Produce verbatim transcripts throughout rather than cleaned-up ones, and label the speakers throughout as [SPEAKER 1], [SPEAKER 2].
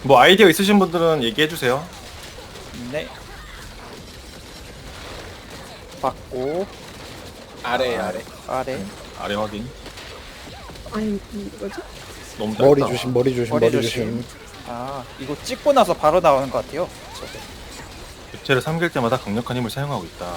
[SPEAKER 1] 뭐 아이디어 있으신 분들은 얘기해 주세요.
[SPEAKER 2] 네. 받고
[SPEAKER 3] 아래 아래.
[SPEAKER 2] 아래
[SPEAKER 1] 아래 확인.
[SPEAKER 4] 아니 뭐지?
[SPEAKER 1] 너무 짧다.
[SPEAKER 5] 머리 조심, 머리 조심,
[SPEAKER 2] 머리
[SPEAKER 5] 머리,
[SPEAKER 2] 조심.
[SPEAKER 5] 조심.
[SPEAKER 2] 아 이거 찍고 나서 바로 나오는 것 같아요. 저도.
[SPEAKER 1] 객체를 삼킬 때마다 강력한 힘을 사용하고 있다.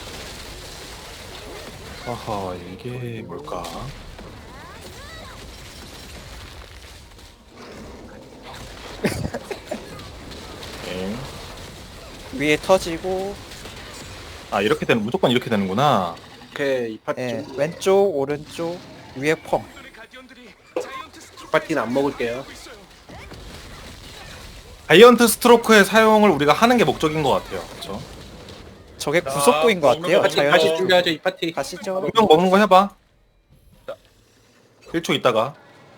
[SPEAKER 1] 아하, 이게 뭘까? 네.
[SPEAKER 2] 위에 터지고
[SPEAKER 1] 아, 이렇게 되는, 무조건 이렇게 되는구나.
[SPEAKER 3] 오케이 이 파티
[SPEAKER 2] 예,
[SPEAKER 3] 좀.
[SPEAKER 2] 왼쪽 오른쪽 위에 펑.
[SPEAKER 3] 이 파티는 안 먹을게요.
[SPEAKER 1] 자이언트 스트로크의 사용을 우리가 하는 게 목적인 것 같아요. 그쵸?
[SPEAKER 2] 저게 구속구인 것 같아요.
[SPEAKER 3] 파티
[SPEAKER 2] 자연-
[SPEAKER 3] 다시 준비하죠 이 파티.
[SPEAKER 2] 가시죠.
[SPEAKER 1] 분명 먹는 거 해봐. 일 초 있다가.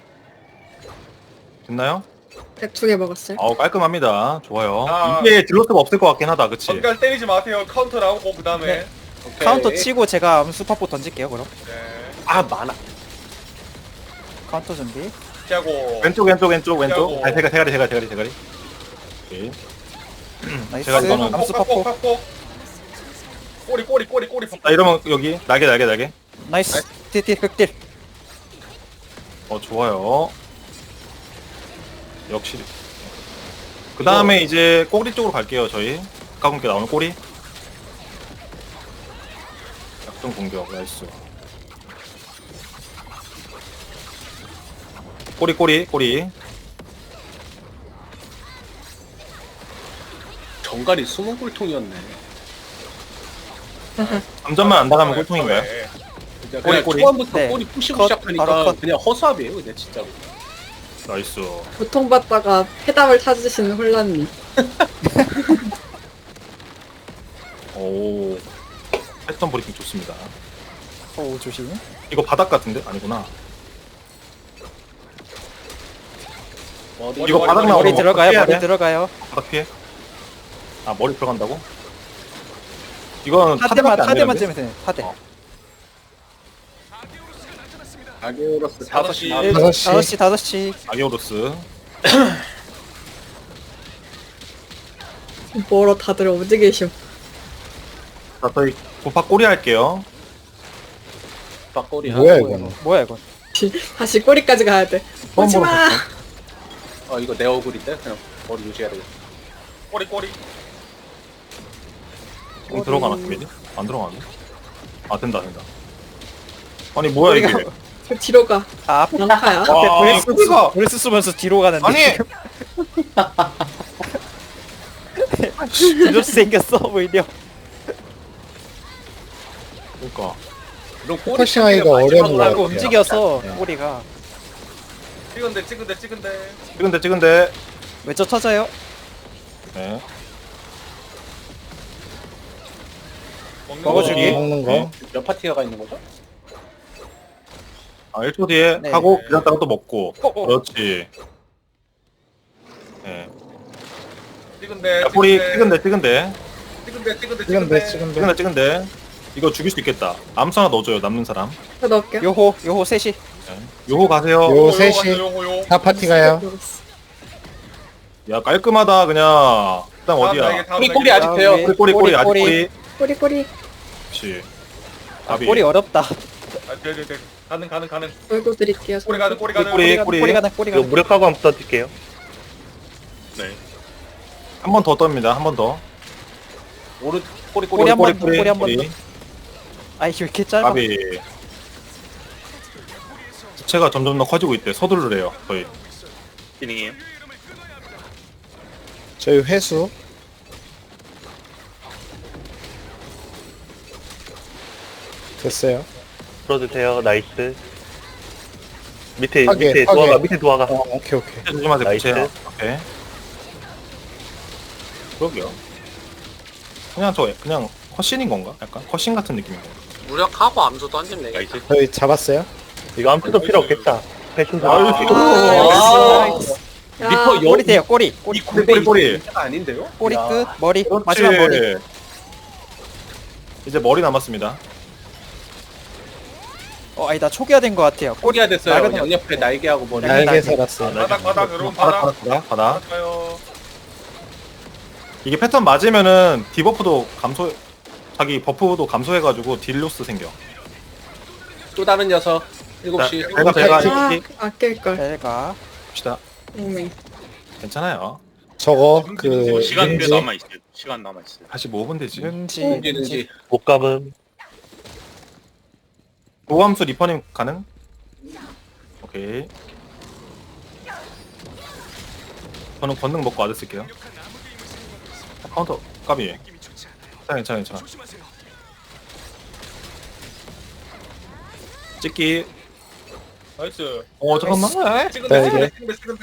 [SPEAKER 1] 됐나요?
[SPEAKER 4] 두 개 먹었어요.
[SPEAKER 1] 아우, 깔끔합니다. 좋아요.
[SPEAKER 6] 아.
[SPEAKER 1] 이게 딜러스가 없을 것 같긴 하다. 그치?
[SPEAKER 6] 전갈 때리지 마세요. 카운터 나오고 그 다음에.
[SPEAKER 2] 네.
[SPEAKER 3] 오케이.
[SPEAKER 2] 카운터 치고 제가 암수파포 던질게요. 그럼
[SPEAKER 6] 네.
[SPEAKER 3] 아 많아.
[SPEAKER 2] 카운터 준비.
[SPEAKER 6] 피하고.
[SPEAKER 1] 왼쪽, 왼쪽, 왼쪽, 왼쪽.
[SPEAKER 6] 피하고.
[SPEAKER 1] 아니, 대가리, 대가리, 대가리, 대가리, 대가리. 오케이.
[SPEAKER 2] 나이스.
[SPEAKER 1] 제가 이거는
[SPEAKER 2] 암수파포.
[SPEAKER 6] 팍팍. 꼬리 꼬리 꼬리 꼬리.
[SPEAKER 1] 자, 이러면 여기 날개, 날개, 날개.
[SPEAKER 2] 나이스. 딜딜 극딜.
[SPEAKER 1] 어, 좋아요. 역시. 그 다음에 이제 꼬리 쪽으로 갈게요, 저희. 가깝게 나오는 꼬리. 약점 공격, 나이스. 꼬리, 꼬리, 꼬리.
[SPEAKER 3] 정갈이 숨은 꿀통이었네.
[SPEAKER 1] 점점만 안 나가면 꼴통인가요?
[SPEAKER 3] 진짜
[SPEAKER 1] 꼬리,
[SPEAKER 3] 그냥
[SPEAKER 1] 꼬리.
[SPEAKER 3] 초반부터
[SPEAKER 2] 네.
[SPEAKER 3] 꼬리 푸시고
[SPEAKER 2] 컷,
[SPEAKER 3] 시작하니까
[SPEAKER 2] 바로 컷.
[SPEAKER 3] 그냥 허수아비예요 그냥 진짜로.
[SPEAKER 1] 나이스.
[SPEAKER 4] 고통받다가 해답을 찾으시는 혼란님.
[SPEAKER 1] 오. 패턴 브리핑 좋습니다.
[SPEAKER 2] 오 조심.
[SPEAKER 1] 이거 바닥 같은데? 아니구나.
[SPEAKER 3] 머리
[SPEAKER 1] 이거 바닥
[SPEAKER 6] 머리,
[SPEAKER 1] 나오는
[SPEAKER 2] 머리
[SPEAKER 1] 거
[SPEAKER 2] 들어가요.
[SPEAKER 1] 피해야
[SPEAKER 2] 머리
[SPEAKER 1] 돼?
[SPEAKER 2] 들어가요.
[SPEAKER 1] 바닥 피해? 아, 머리 들어간다고? 이거는
[SPEAKER 2] 타대만
[SPEAKER 1] 타대밖에 안
[SPEAKER 2] 타대만
[SPEAKER 1] 되는데?
[SPEAKER 2] 찌면 돼. 타대.
[SPEAKER 1] 어.
[SPEAKER 3] 아게오로스 다섯 시 나.
[SPEAKER 2] 일-
[SPEAKER 5] 다섯 시.
[SPEAKER 2] 다섯 시 다섯 시.
[SPEAKER 1] 아기오로스.
[SPEAKER 4] 뭐로 다들 어디 계셔?
[SPEAKER 1] 자, 저희 고파 꼬리 할게요.
[SPEAKER 3] 박꼬리
[SPEAKER 5] 뭐야,
[SPEAKER 3] 하고.
[SPEAKER 5] 이거는?
[SPEAKER 2] 뭐야 이건?
[SPEAKER 4] 다시 꼬리까지 가야 돼.
[SPEAKER 1] 처음 보는
[SPEAKER 4] 오지마.
[SPEAKER 1] 패턴.
[SPEAKER 3] 어 이거 내 얼굴인데 그냥 머리 유지해야 되겠다.
[SPEAKER 6] 꼬리 꼬리.
[SPEAKER 1] 지금 들어가나, 데미지? 안 들어가네? 아, 된다, 된다. 아니, 뭐야, 이게.
[SPEAKER 2] 꼬리가-
[SPEAKER 4] 저 뒤로 가.
[SPEAKER 2] 아 앞에
[SPEAKER 4] 양파야.
[SPEAKER 1] 와,
[SPEAKER 2] 브레스
[SPEAKER 1] 꼬리가.
[SPEAKER 2] 브레스 쓰면서 뒤로 가는데.
[SPEAKER 1] 아니!
[SPEAKER 2] 이렇게 생겼어 보이려.
[SPEAKER 1] 그러니까.
[SPEAKER 3] 이런 꼬리
[SPEAKER 5] 포커싱 하기가
[SPEAKER 3] 마지막으로
[SPEAKER 5] 어려운 것
[SPEAKER 3] 하고
[SPEAKER 2] 자꾸
[SPEAKER 5] 같아요.
[SPEAKER 2] 움직여서
[SPEAKER 5] 네.
[SPEAKER 2] 꼬리가
[SPEAKER 6] 찍은데 찍은데 찍은데.
[SPEAKER 1] 찍은데, 찍은데.
[SPEAKER 2] 왼쪽 터져요.
[SPEAKER 1] 네.
[SPEAKER 6] 먹는
[SPEAKER 2] 먹어주기.
[SPEAKER 6] 거.
[SPEAKER 5] 먹는 거.
[SPEAKER 1] 네.
[SPEAKER 3] 몇 파티가 가 있는 거죠?
[SPEAKER 1] 아, 일 초 뒤에
[SPEAKER 2] 네.
[SPEAKER 1] 하고, 기다렸다가 또 먹고.
[SPEAKER 2] 어, 어.
[SPEAKER 1] 그렇지. 네.
[SPEAKER 6] 찍은데.
[SPEAKER 1] 야, 꼬리, 찍은데, 찍은데.
[SPEAKER 6] 찍은데 찍은데
[SPEAKER 5] 찍은데, 찍은데.
[SPEAKER 1] 찍은데, 찍은데. 이거 죽일 수 있겠다. 암수 하나 넣어줘요, 남는 사람.
[SPEAKER 4] 저 넣을게요.
[SPEAKER 2] 요호 요호 셋이.
[SPEAKER 1] 네. 요호 가세요.
[SPEAKER 5] 요-
[SPEAKER 6] 요거
[SPEAKER 5] 셋이.
[SPEAKER 6] 요거 요거.
[SPEAKER 5] 다 파티 가요.
[SPEAKER 1] 야, 깔끔하다, 그냥. 일단
[SPEAKER 6] 다음
[SPEAKER 1] 어디야?
[SPEAKER 6] 날개, 다음
[SPEAKER 3] 꼬리 꼬리
[SPEAKER 6] 날개.
[SPEAKER 3] 아직 돼요.
[SPEAKER 2] 네.
[SPEAKER 1] 꼬리, 꼬리, 꼬리, 아직
[SPEAKER 2] 꼬리,
[SPEAKER 1] 꼬리.
[SPEAKER 4] 꼬리 꼬리.
[SPEAKER 1] 그렇지.
[SPEAKER 2] 아,
[SPEAKER 1] 답이.
[SPEAKER 2] 꼬리 어렵다.
[SPEAKER 6] 아, 네, 네, 네. 가능 가능 가능.
[SPEAKER 4] 얼굴 드릴게요.
[SPEAKER 6] 꼬리 가능 꼬리 가능.
[SPEAKER 1] 꼬리,
[SPEAKER 2] 가는,
[SPEAKER 1] 꼬리.
[SPEAKER 2] 꼬리 가는 꼬리 가는.
[SPEAKER 7] 무력하고 한번 써줄게요.
[SPEAKER 1] 네. 한 번 더 떱니다, 한 번 더.
[SPEAKER 3] 오른 꼬리 꼬리.
[SPEAKER 2] 꼬리 한 번 더, 꼬리 한 번 더.
[SPEAKER 1] 꼬리.
[SPEAKER 2] 아이 왜 이렇게 짧아?
[SPEAKER 1] 답이. 부채가 점점 더 커지고 있대. 서두르래요, 저희.
[SPEAKER 7] 기능이에요.
[SPEAKER 5] 저희 회수. 됐어요.
[SPEAKER 7] 풀어주세요. 나이스. 밑에
[SPEAKER 5] 하게,
[SPEAKER 7] 밑에
[SPEAKER 5] 하게.
[SPEAKER 7] 도화가 밑에 도화가.
[SPEAKER 5] 어, 오케이, 오케이.
[SPEAKER 1] 부채 조심하세요,
[SPEAKER 7] 나이스.
[SPEAKER 1] 부채. 오케이. 그러게요. 그냥 저, 그냥 컷신인 건가? 약간 컷신 같은 느낌인 건가?
[SPEAKER 8] 무력하고 암수 던지면 되겠다.
[SPEAKER 7] 나이스.
[SPEAKER 5] 저희 잡았어요.
[SPEAKER 7] 이거 아무것도 필요 없겠다. 패션
[SPEAKER 1] 아,
[SPEAKER 7] 사.
[SPEAKER 2] 나이스.
[SPEAKER 4] 야,
[SPEAKER 3] 리퍼 여-
[SPEAKER 2] 꼬리 돼요 꼬리. 꼬리
[SPEAKER 1] 꼬리, 꼬리, 꼬리.
[SPEAKER 3] 문제가 아닌데요?
[SPEAKER 2] 꼬리
[SPEAKER 1] 야.
[SPEAKER 2] 끝 머리
[SPEAKER 1] 그렇지.
[SPEAKER 2] 마지막 머리.
[SPEAKER 1] 이제 머리 남았습니다.
[SPEAKER 2] 어 아니다 초기화된 것 같아요. 꼬리
[SPEAKER 3] 꼬리가 됐어요.
[SPEAKER 2] 낡은 거.
[SPEAKER 3] 양옆에 날개하고 머리.
[SPEAKER 2] 날개.
[SPEAKER 5] 날개 살았어요.
[SPEAKER 6] 바닥 바닥 여러분
[SPEAKER 1] 바닥,
[SPEAKER 6] 바닥.
[SPEAKER 1] 바닥, 바닥.
[SPEAKER 6] 바닥 가요.
[SPEAKER 1] 이게 패턴 맞으면은 디버프도 감소, 자기 버프도 감소해가지고 딜로스 생겨.
[SPEAKER 3] 또 다른 녀석 일곱 시.
[SPEAKER 1] 제가 제가
[SPEAKER 4] 아,
[SPEAKER 1] 해볼게.
[SPEAKER 4] 아낄걸.
[SPEAKER 2] 벨가.
[SPEAKER 1] 봅시다.
[SPEAKER 4] 오메.
[SPEAKER 1] 괜찮아요.
[SPEAKER 5] 저거 그
[SPEAKER 7] 시간 꽤
[SPEAKER 5] 왠지
[SPEAKER 7] 남아 있어요. 시간 남아 있어요.
[SPEAKER 1] 사십오 분 되지.
[SPEAKER 2] 능지.
[SPEAKER 3] 능지 능지.
[SPEAKER 7] 못 감음.
[SPEAKER 1] 고함수 리퍼님 가능? 오케이. 저는 권능 먹고 아드 쓸게요. 카운터 까비. 괜찮아 괜찮아 괜찮아. 찍기.
[SPEAKER 6] 나이스.
[SPEAKER 1] 어 잠깐만.
[SPEAKER 6] 찍은데,
[SPEAKER 5] 네,
[SPEAKER 6] 찍은데, 찍은데, 찍은데.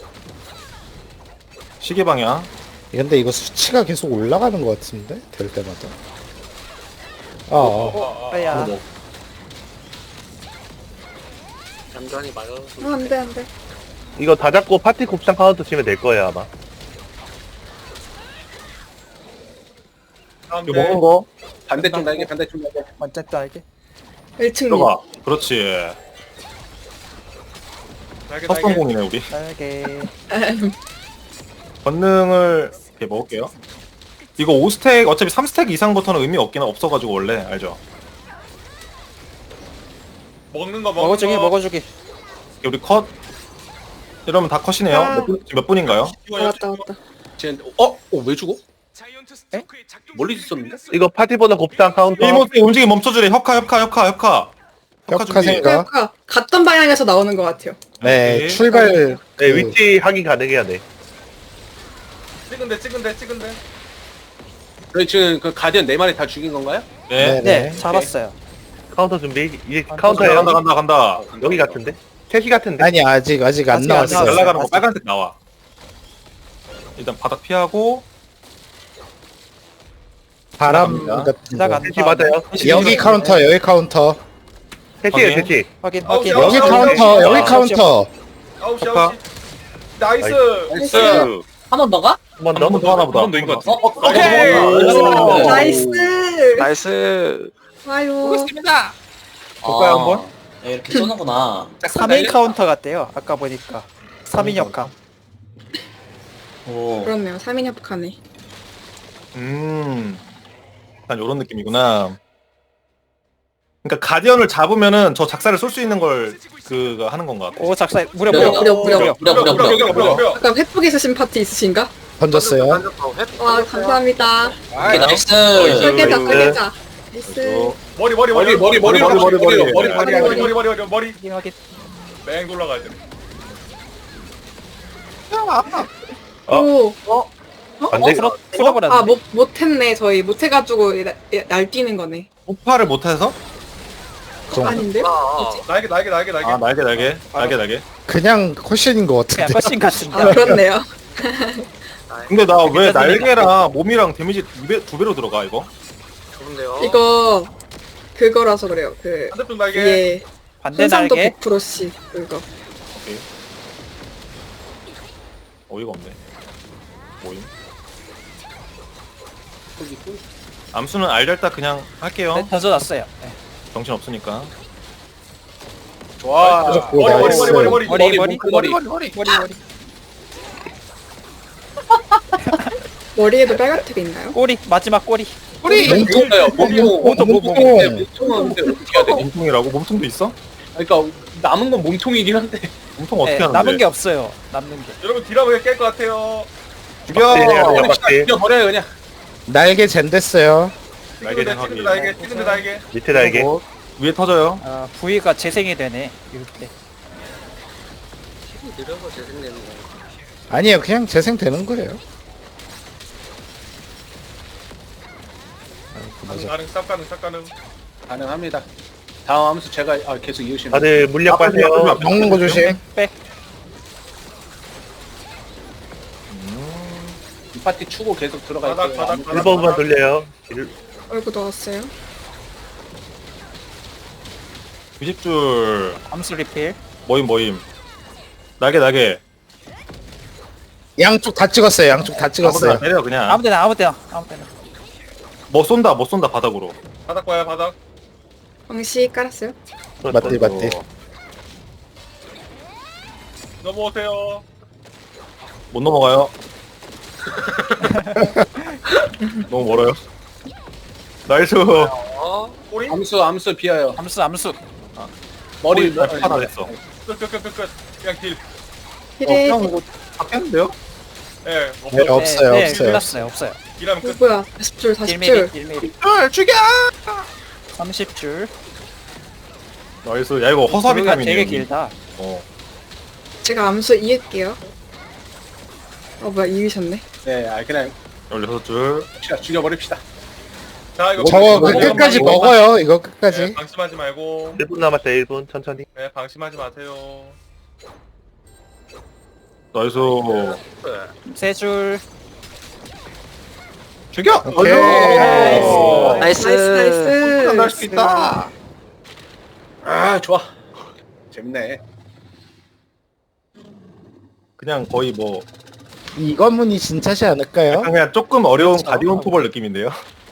[SPEAKER 1] 시계 방향.
[SPEAKER 5] 근데 이거 수치가 계속 올라가는 것 같은데 될 때마다. 아, 아.
[SPEAKER 6] 아, 아.
[SPEAKER 2] 아야.
[SPEAKER 8] 얌전히 맞아.
[SPEAKER 4] 아, 안 돼, 안 돼.
[SPEAKER 7] 이거 다 잡고 파티 곱창 카운터 치면 될 거예요 아마.
[SPEAKER 6] 다음
[SPEAKER 1] 이거
[SPEAKER 6] 대.
[SPEAKER 1] 먹은 거
[SPEAKER 3] 반대쪽 날개 반대쪽 날개.
[SPEAKER 2] 먼저 딸기.
[SPEAKER 4] 일 층
[SPEAKER 1] 들어가. 그렇지.
[SPEAKER 6] 날개,
[SPEAKER 1] 첫
[SPEAKER 6] 날개.
[SPEAKER 1] 성공이네 우리.
[SPEAKER 2] 딸기.
[SPEAKER 1] 권능을 이렇게 먹을게요. 이거 오 스택 어차피 삼 스택 이상부터는 의미 없긴 없어가지고 원래 알죠?
[SPEAKER 6] 먹는 거, 먹는
[SPEAKER 2] 먹어주기
[SPEAKER 6] 거.
[SPEAKER 2] 먹어주기.
[SPEAKER 1] 우리 컷 이러면 다 컷이네요.
[SPEAKER 4] 아.
[SPEAKER 1] 몇, 분, 지금 몇 분인가요?
[SPEAKER 6] 이거
[SPEAKER 4] 아, 왔다, 왔다.
[SPEAKER 3] 쟤 어? 어? 왜 죽어? 멀리 있었는데?
[SPEAKER 7] 이거 파티보다 곱창 카운터.
[SPEAKER 1] 이모스 움직임 멈춰주래. 협카 협카 협카 협카.
[SPEAKER 5] 협카
[SPEAKER 1] 준비.
[SPEAKER 5] 생각.
[SPEAKER 4] 그러니까 갔던 방향에서 나오는 것 같아요.
[SPEAKER 5] 네,
[SPEAKER 1] 오케이.
[SPEAKER 5] 출발.
[SPEAKER 7] 네,
[SPEAKER 5] 그
[SPEAKER 7] 위치 확인 가능해야 돼.
[SPEAKER 6] 찍은데, 찍은데, 찍은데.
[SPEAKER 3] 저희 지금 그 가디언 네 마리 다 죽인 건가요?
[SPEAKER 1] 네.
[SPEAKER 2] 네, 잡았어요.
[SPEAKER 7] 카운터 준비. 이제
[SPEAKER 1] 간다
[SPEAKER 7] 카운터예요.
[SPEAKER 1] 간다 간다 간다.
[SPEAKER 7] 여기 같은데? 셋이 같은데?
[SPEAKER 5] 아니 아직 아직 안
[SPEAKER 2] 아직 안
[SPEAKER 5] 나왔어요.
[SPEAKER 2] 나왔어요.
[SPEAKER 1] 날아가는 거
[SPEAKER 2] 아직.
[SPEAKER 1] 빨간색 나와. 일단 바닥 피하고
[SPEAKER 5] 바람
[SPEAKER 1] 지나갑니다.
[SPEAKER 5] 같은
[SPEAKER 2] 지나간다.
[SPEAKER 5] 거.
[SPEAKER 7] 셋이 맞아요.
[SPEAKER 5] 여기 카운터 여기 카운터
[SPEAKER 7] 셋이에요,
[SPEAKER 1] 확인.
[SPEAKER 7] 셋이.
[SPEAKER 2] 확인
[SPEAKER 6] 아홉
[SPEAKER 2] 확인.
[SPEAKER 6] 시, 아홉
[SPEAKER 5] 여기
[SPEAKER 6] 시, 아홉 시,
[SPEAKER 5] 카운터
[SPEAKER 6] 아홉 시.
[SPEAKER 5] 여기
[SPEAKER 2] 아,
[SPEAKER 5] 카운터.
[SPEAKER 6] 아홉 시,
[SPEAKER 1] 협카.
[SPEAKER 6] 아홉 시. 나이스.
[SPEAKER 3] 나이스.
[SPEAKER 8] 한 번 더가?
[SPEAKER 7] 한 번
[SPEAKER 1] 한 번 더 하나 보다.
[SPEAKER 7] 한번더인 것 같아.
[SPEAKER 6] 오케이.
[SPEAKER 1] 오.
[SPEAKER 4] 나이스.
[SPEAKER 8] 나이스.
[SPEAKER 4] 아유.
[SPEAKER 1] 볼까요 한번?
[SPEAKER 9] 야, 이렇게 쏘는구나.
[SPEAKER 2] 삼 인 카운터 같대요. 아까 보니까. 삼 인 협카.
[SPEAKER 9] 오.
[SPEAKER 4] 그렇네요. 삼 인 협카네.
[SPEAKER 1] 음. 약간 요런 느낌이구나. 그러니까 가디언을 잡으면은 저 작사를 쏠 수 있는 걸 그가 하는 건가 같아.
[SPEAKER 2] 오 작사 무려
[SPEAKER 9] 무려,
[SPEAKER 2] 무려
[SPEAKER 4] 무려, 무려.
[SPEAKER 9] 무려, 무려, 무려.
[SPEAKER 6] 무려, 무려, 무려.
[SPEAKER 4] 아까 횟복 있으신 파티 있으신가?
[SPEAKER 5] 던졌어요.
[SPEAKER 4] 와, 감사합니다.
[SPEAKER 9] 오케이, 나이스.
[SPEAKER 4] 설계자,
[SPEAKER 7] 나이스.
[SPEAKER 4] 설계자. 나이스.
[SPEAKER 6] 머리, 머리,
[SPEAKER 3] 머리 머리 머리
[SPEAKER 1] 머리,
[SPEAKER 3] 머리
[SPEAKER 1] 머리,
[SPEAKER 3] 머리
[SPEAKER 1] 머리.
[SPEAKER 3] 머리
[SPEAKER 6] 머리,
[SPEAKER 3] 머리
[SPEAKER 6] 머리, 머리, 머리, 머리, 머리, 머리.
[SPEAKER 2] 확인 확인.
[SPEAKER 6] 뺑 돌아가야 돼.
[SPEAKER 1] 어?
[SPEAKER 4] 오. 어?
[SPEAKER 7] 반대.
[SPEAKER 2] 풀어 풀어버렸네.
[SPEAKER 4] 아, 못, 못했네. 저희 못해가지고 나- 날뛰는 거네.
[SPEAKER 1] 폭파를 못해서?
[SPEAKER 4] 아닌데요? 뭐지?
[SPEAKER 6] 날개, 날개, 날개, 날개.
[SPEAKER 1] 아 날개 날개 날개 날개.
[SPEAKER 5] 그냥 컷신인 것
[SPEAKER 2] 그냥
[SPEAKER 5] 같은데.
[SPEAKER 2] 컷신 같은데.
[SPEAKER 4] 아, 그렇네요.
[SPEAKER 1] 근데 나 왜
[SPEAKER 2] 괜찮습니다.
[SPEAKER 1] 날개랑 몸이랑 데미지 두, 배, 두 배로 들어가 이거?
[SPEAKER 8] 좋은데요.
[SPEAKER 4] 이거 그거라서 그래요. 그
[SPEAKER 6] 반대쪽 날개.
[SPEAKER 4] 위에
[SPEAKER 2] 반대
[SPEAKER 4] hun상도
[SPEAKER 2] 날개.
[SPEAKER 4] 백 퍼센트씩 그거.
[SPEAKER 1] 오케이. 어이가 없네. 뭐임? 암수는 알달딱 그냥 할게요.
[SPEAKER 2] 네, 던져놨어요. 네.
[SPEAKER 1] 정신 없으니까.
[SPEAKER 3] 좋아.
[SPEAKER 5] 오,
[SPEAKER 6] 머리, 머리,
[SPEAKER 5] 나이스.
[SPEAKER 6] 머리, 머리, 머리.
[SPEAKER 2] 머리 머리
[SPEAKER 3] 머리
[SPEAKER 2] 머리 머리 머리.
[SPEAKER 4] 머리에도 빨간색이 있나요?
[SPEAKER 2] 꼬리 마지막 꼬리.
[SPEAKER 3] 우리 몸통이에요. 몸통.
[SPEAKER 2] 몸통, 몸통.
[SPEAKER 3] 네, 몸통은 근데 어떻게 해야 돼?
[SPEAKER 1] 몸통이라고? 몸통도 있어?
[SPEAKER 3] 그러니까 남은 건 몸통이긴 한데.
[SPEAKER 1] 몸통 어떻게
[SPEAKER 2] 네,
[SPEAKER 1] 하는데?
[SPEAKER 2] 남은 게 없어요. 남는 게.
[SPEAKER 6] 여러분 딜하면 깰 것 같아요.
[SPEAKER 1] 죽여!
[SPEAKER 7] 빡대, 빡대.
[SPEAKER 3] 죽여 버려요 그냥.
[SPEAKER 5] 날개 젠 됐어요.
[SPEAKER 1] 날개
[SPEAKER 6] 찍은데,
[SPEAKER 1] 확인.
[SPEAKER 6] 찍은데 날개, 찍은데 날개.
[SPEAKER 7] 밑에 날개.
[SPEAKER 1] 뭐, 위에 터져요.
[SPEAKER 2] 아 부위가 재생이 되네. 이럴 때.
[SPEAKER 8] 느려서 재생되는 건가?
[SPEAKER 5] 아니에요, 그냥 재생되는 거예요.
[SPEAKER 6] 가능, 가능, 쌉 가능, 쌉 가능.
[SPEAKER 3] 가능합니다. 다음 함수 제가 아, 계속 이으시면.
[SPEAKER 7] 다들 물약
[SPEAKER 1] 앞에, 앞에,
[SPEAKER 7] 빠세요.
[SPEAKER 1] 앞에.
[SPEAKER 5] 먹는 거 조심.
[SPEAKER 2] 백.
[SPEAKER 3] 이 파티 추고 계속 들어갈
[SPEAKER 6] 바닥,
[SPEAKER 3] 때.
[SPEAKER 6] 바닥, 바닥.
[SPEAKER 7] 일 번만 돌려요. 일-
[SPEAKER 4] 얼굴 나왔어요.
[SPEAKER 1] 이십 줄.
[SPEAKER 2] 암수 리필.
[SPEAKER 1] 모임 모임. 날개 날개.
[SPEAKER 5] 양쪽 다 찍었어요. 양쪽 다
[SPEAKER 1] 아무데나
[SPEAKER 5] 찍었어요.
[SPEAKER 1] 때려 그냥.
[SPEAKER 2] 아무데나 아무데나 아무데나.
[SPEAKER 1] 뭐 쏜다 뭐 쏜다 바닥으로.
[SPEAKER 6] 바닥 봐요, 바닥.
[SPEAKER 4] 광시 깔았어요.
[SPEAKER 5] 맞디 맞디.
[SPEAKER 6] 넘어오세요.
[SPEAKER 1] 못 넘어가요. 너무 멀어요. 나이스.
[SPEAKER 8] 어?
[SPEAKER 6] 꼬리?
[SPEAKER 3] 암수 암수 비어요.
[SPEAKER 2] 암수 암수.
[SPEAKER 3] 머리
[SPEAKER 1] 꼬리 아, 다 됐어.
[SPEAKER 6] 끝끝끝끝 그냥 딜.
[SPEAKER 4] 힐에
[SPEAKER 1] 형 이거 바뀌었는데요?
[SPEAKER 6] 예
[SPEAKER 5] 네,
[SPEAKER 6] 없어.
[SPEAKER 5] 없어요
[SPEAKER 2] 네,
[SPEAKER 5] 없어요.
[SPEAKER 2] 끝났어요. 없어요.
[SPEAKER 6] 딜하면 끝.
[SPEAKER 4] 누구야? 사십 줄 사십
[SPEAKER 2] 일 미리
[SPEAKER 4] 줄.
[SPEAKER 2] 일 미리.
[SPEAKER 1] 줄 죽여.
[SPEAKER 2] 삼십 줄.
[SPEAKER 1] 나이스. 야 이거 허수아비
[SPEAKER 2] 우리가
[SPEAKER 1] 타임이네.
[SPEAKER 2] 되게 길다.
[SPEAKER 1] 어.
[SPEAKER 4] 제가 암수 이을게요. 어 뭐야 이으셨네.
[SPEAKER 3] 네, 아 그냥
[SPEAKER 1] 열여섯 줄.
[SPEAKER 3] 죽여- 죽여버립시다.
[SPEAKER 6] 자 이거
[SPEAKER 5] 저거 그
[SPEAKER 6] 방심하지
[SPEAKER 5] 끝까지
[SPEAKER 6] 말고.
[SPEAKER 5] 먹어요 이거
[SPEAKER 6] 네,
[SPEAKER 5] 끝까지.
[SPEAKER 6] 방심하지 말고.
[SPEAKER 7] 일 분 남았어요 일 분 천천히.
[SPEAKER 6] 네 방심하지 마세요.
[SPEAKER 1] 나이스.
[SPEAKER 2] 세 줄.
[SPEAKER 1] 죽여.
[SPEAKER 5] 오케이.
[SPEAKER 1] 나이스.
[SPEAKER 8] 나이스.
[SPEAKER 4] 나이스
[SPEAKER 1] 날수 있다.
[SPEAKER 3] 아 좋아. 재밌네.
[SPEAKER 1] 그냥 거의 뭐
[SPEAKER 5] 이관문이 진짜지 않을까요?
[SPEAKER 1] 약간 그냥 조금 어려운
[SPEAKER 2] 그렇죠.
[SPEAKER 1] 가디온 포벌 느낌인데요.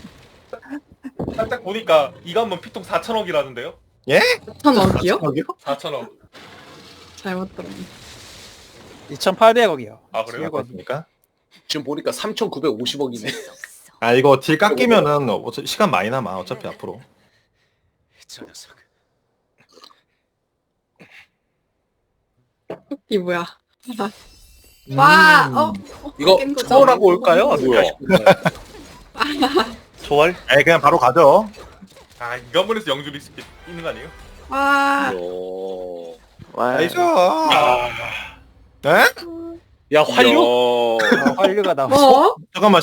[SPEAKER 6] 살짝 보니까 이거 한번 피통 사천억이라는데요?
[SPEAKER 4] 천억이요?
[SPEAKER 1] 저기요?
[SPEAKER 6] 사천억.
[SPEAKER 4] 잘못 들었네.
[SPEAKER 2] 이천팔백억이요.
[SPEAKER 6] 아 그래요?
[SPEAKER 1] 그렇습니까?
[SPEAKER 3] 지금 보니까 삼천구백오십억이네.
[SPEAKER 1] 아 이거 딜 깎이면은 어차피 시간 많이 남아 어차피 앞으로.
[SPEAKER 4] 이 뭐야? 와, 어, 어,
[SPEAKER 3] 이거
[SPEAKER 4] 깬 거죠?
[SPEAKER 3] 초월하고 올까요?
[SPEAKER 7] 뭐야? 초월?
[SPEAKER 1] 에 그냥 바로 가죠.
[SPEAKER 6] 아 이거 한 번에서 영주 리스크 있는 거 아니에요?
[SPEAKER 4] 와,
[SPEAKER 3] 요.
[SPEAKER 1] 나이스. 네?
[SPEAKER 3] 야 활류?
[SPEAKER 2] 아, 활류가 나와.
[SPEAKER 4] 뭐?
[SPEAKER 1] 잠깐만